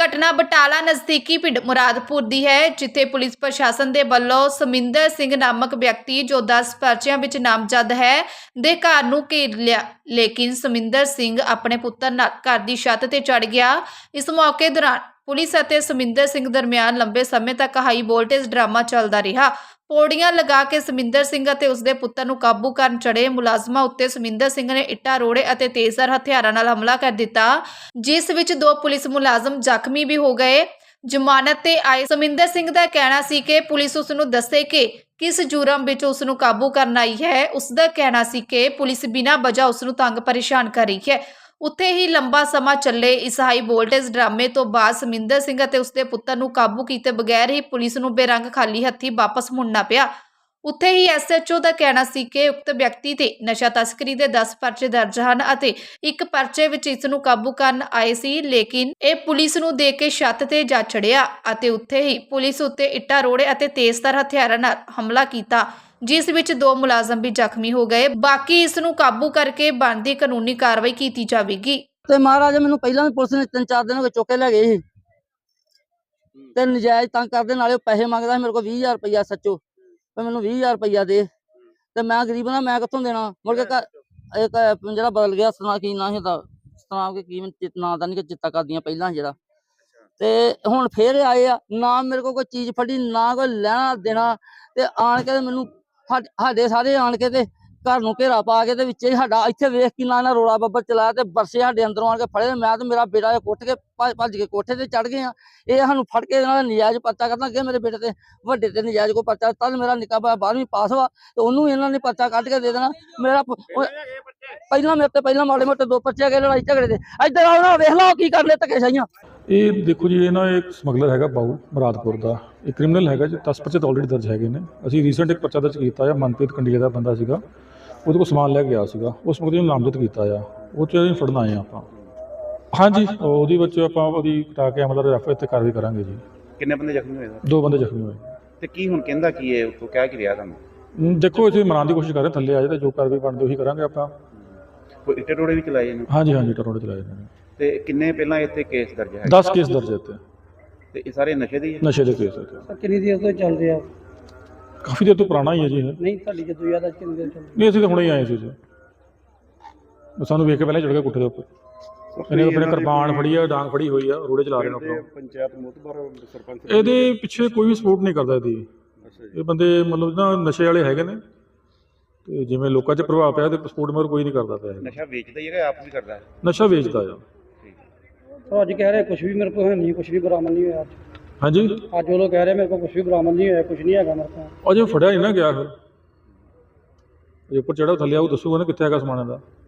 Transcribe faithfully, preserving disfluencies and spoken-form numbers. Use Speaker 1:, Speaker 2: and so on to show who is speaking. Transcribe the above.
Speaker 1: घटना बटाला नज़दीकी पिंड मुरादपुर दी है, जिथे पुलिस प्रशासन दे वल्लों समिंदर सिंह नामक व्यक्ति जो दस पर्चियां विच नामजद है दे घर नूं घेर लिया, लेकिन समिंदर सिंह अपने पुत्तर नाल घर दी छत ते चढ़ गया। इस मौके दौरान पुलिस अते समिंदर सिंह दरमियान लंबे समय तक हाई वोल्टेज ड्रामा चलदा रहा। पौड़ियां लगा के समिंदर सिंह अते उसदे पुत्तर नूं काबू करन चढ़े मुलाजमां उत्ते समिंदर सिंह ने इट्टां रोड़े अते तेज़धार हथियारां नाल हमला कर दिता, जिस विच दो पुलिस मुलाजम ਜ਼ਖਮੀ भी हो गए। जमानत ते आए समिंदर सिंह दा कहना सी कि पुलिस उस नूं दस्से कि किस जुर्म विच उस नूं काबू करन आई है। उसदा कहना सी कि पुलिस बिना वजह उस नूं तंग परेशान कर रही है। उत्थे ही लंबा समा चले इस हाई वोल्टेज ड्रामे तो बाद समिंदर सिंह अते उसदे पुत्तर नूं काबू कीते बगैर ही पुलिस नूं बेरंग खाली हत्थी वापस मुड़ना पिया। उत्थे ही एस एच ओ का कहना सी कि उक्त व्यक्ति ते नशा तस्करी दे दस परचे दर्ज हन अते एक परचे विच इस नूं काबू करन आए सी, लेकिन ये पुलिस नूं देख के छत ते जा चढ़िया अते उत्थे ही पुलिस उत्ते इट्टां रोड़े अते तेज़धार हथियारां नाल हमला कीता, जिस विच दो मुलाजम भी ਜ਼ਖਮੀ हो गए। बाकी इस नूं काबू करके बनदी कानूनी कार्रवाई कीती जावेगी।
Speaker 2: ते महाराज मैनूं पहिलां भी पुलिस ने तीन चार दिन हो गए चुक के लै गए सी ते नजायज़ तंग करदे, नाले पैसे मंगदा मेरे कोल बीस हज़ार रुपया सच्चो ते मैनूं बीस हज़ार रुपया दे ते मैं गरीब ना, मैं कित्थों देना। मुड़ के एक जिहड़ा बदल गया सना की नां ही सनाम के की नां दा नहीं चित्ता करदियां पहिलां जिहड़ा ते हुण फेर आए आ ना मेरे को कोई चीज़ फड़ी ना कोई लैना देना ते आण के मैनूं साडे सारे आण के ते घर नूं घेरा पा के ते विच साडा इत्थे वेख के ना रोड़ा बब्बर चलाया ते बरसे साडे अंदरों आण के फड़े ते मैं ते मेरा बेटा कुट के भज के कोठे ते चढ़ गए आ। ये सानूं फड़ के इन्हां दा नजायज़ परचा करना अगे मेरे बेटे ते वड्डे ते नजायज़ कोई परचा तद मेरा निक्का भाई बारहवीं पास वा ते ओनूं इन्हां ने परचा कढ के दे देना। मेरा पहिलां मेरे ते पहिलां माड़े मोटे दो परचे गए लड़ाई झगड़े दे। इधर आओ ना वेख लो की करने धक्केशाहियां।
Speaker 3: ਇਹ ਦੇਖੋ ਜੀ, ਇਹ ਨਾ ਇੱਕ ਸਮਗਲਰ ਹੈਗਾ ਬਾਊ ਮੁਰਾਦਪੁਰ ਦਾ, ਇਹ ਕ੍ਰਿਮੀਨਲ ਹੈਗਾ ਜੀ। ਦਸ ਪਰਚੇ ਤਾਂ ਆਲਰੇਡੀ ਦਰਜ ਹੈਗੇ ਨੇ। ਅਸੀਂ ਰੀਸੈਂਟ ਇੱਕ ਪਰਚਾ ਦਰਜ ਕੀਤਾ ਆ, ਮਨਪ੍ਰੀਤ ਕੰਡੀਲੇ ਦਾ ਬੰਦਾ ਸੀਗਾ, ਉਹਦੇ ਕੋਲ ਸਮਾਨ ਲੈ ਕੇ ਗਿਆ ਸੀਗਾ, ਉਸ ਮੁਕਦੇ ਨੂੰ ਨਾਮਜ਼ਦ ਕੀਤਾ ਆ, ਉਹ 'ਚ ਅਸੀਂ ਫੜਨ ਆਏ ਆਪਾਂ। ਹਾਂਜੀ, ਉਹਦੇ ਵਿੱਚ ਆਪਾਂ ਉਹਦੀ ਕਟਾ ਕੇ ਮਤਲਬ ਰੈਫਰ ਤੇ ਕਾਰਵਾਈ ਕਰਾਂਗੇ ਜੀ।
Speaker 4: ਕਿੰਨੇ ਬੰਦੇ ਜ਼ਖਮੀ ਹੋਏ?
Speaker 3: ਦੋ ਬੰਦੇ ਜ਼ਖਮੀ ਹੋਏ।
Speaker 4: ਤੇ ਕੀ ਹੁਣ ਕਹਿੰਦਾ ਕੀ ਹੈ ਉੱਥੋਂ, ਕਹਿ ਕੀ ਰਿਹਾ ਤੁਹਾਨੂੰ?
Speaker 3: ਦੇਖੋ ਅਸੀਂ ਮਨਾਉਣ ਦੀ ਕੋਸ਼ਿਸ਼ ਕਰ ਰਹੇ, ਥੱਲੇ ਆ ਜਾਏ ਤਾਂ ਜੋ ਕਾਰਵਾਈ ਬਣਦੀ ਉਹੀ ਕਰਾਂਗੇ ਆਪਾਂ।
Speaker 4: ਕੋਈ ਇੱਟੇ ਟੋੜੇ ਵੀ ਚਲਾਏ ਨੇ?
Speaker 3: ਹਾਂਜੀ ਹਾਂਜੀ, ਟਰੋੜੇ ਚਲਾਏ ਨੇ।
Speaker 4: ਤੇ ਕਿੰਨੇ ਪਹਿਲਾਂ ਇੱਥੇ ਕੇਸ ਦਰਜ ਹੈ?
Speaker 3: ਦਸ ਕੇਸ ਦਰਜ ਇੱਥੇ।
Speaker 4: ਤੇ ਇਹ ਸਾਰੇ ਨਸ਼ੇ ਦੇ ਹੀ ਹੈ?
Speaker 3: ਨਸ਼ੇ ਦੇ ਕੇਸ ਇੱਥੇ।
Speaker 2: ਕਿੰਨੀ ਦੇਰ ਤੋਂ ਚੱਲ ਰਿਹਾ?
Speaker 3: ਕਾਫੀ ਦੇਰ ਤੋਂ ਪੁਰਾਣਾ ਹੀ ਹੈ ਜੀ ਇਹ।
Speaker 2: ਨਹੀਂ ਤੁਹਾਡੀ ਜਦੋਂ ਯਾਦ ਆ ਕਿੰਨੀ ਦੇਰ ਚੱਲ?
Speaker 3: ਨਹੀਂ, ਅਸੀਂ ਤਾਂ ਹੁਣੇ ਹੀ ਆਏ ਸੀ ਜੀ, ਸਾਨੂੰ ਵੇਖ ਕੇ ਪਹਿਲਾਂ ਚੜ੍ਹ ਗਿਆ ਕੋਠੇ ਦੇ ਉੱਪਰ। ਇਹਨੇ ਆਪਣੇ ਕਿਰਪਾਨ ਫੜੀ ਆ, ਡਾਂਗ ਫੜੀ ਹੋਈ ਆ, ਰੋੜੇ ਚਲਾ ਰਹੇ ਨੇ ਆਪਣਾ।
Speaker 4: ਪੰਚਾਇਤ ਮੋਤਬਰ ਸਰਪੰਚ
Speaker 3: ਇਹਦੇ ਪਿੱਛੇ ਕੋਈ ਵੀ ਸਪੋਰਟ ਨਹੀਂ ਕਰਦਾ ਇਹਦੀ। ਇਹ ਬੰਦੇ ਮਤਲਬ ਨਾ ਨਸ਼ੇ ਵਾਲੇ ਹੈਗੇ ਨੇ ਤੇ ਜਿਵੇਂ ਲੋਕਾਂ 'ਚ ਪ੍ਰਭਾਵ ਪਿਆ ਤੇ ਸਪੋਰਟ ਮਗਰ ਕੋਈ ਨਹੀਂ ਕਰਦਾ ਪਿਆ।
Speaker 4: ਨਸ਼ਾ ਵੇਚਦਾ ਹੀ ਹੈਗਾ, ਆਪ ਵੀ ਕਰਦਾ ਹੈ?
Speaker 3: ਨਸ਼ਾ ਵੇਚਦਾ ਆ।
Speaker 2: तो अज कह रहे कुछ भी मेरे को है नहीं, कुछ भी बरामद नहीं हुआ अज।
Speaker 3: हाँ जी,
Speaker 2: अज वो लोग कह रहे मेरे को कुछ भी बरामद नहीं हुआ, कुछ नहीं है मेरे को।
Speaker 3: अजे फड़िया नहीं ना गया, फिर ऊपर चढ़ा थले आऊ दसूगा ना कितने है समान का।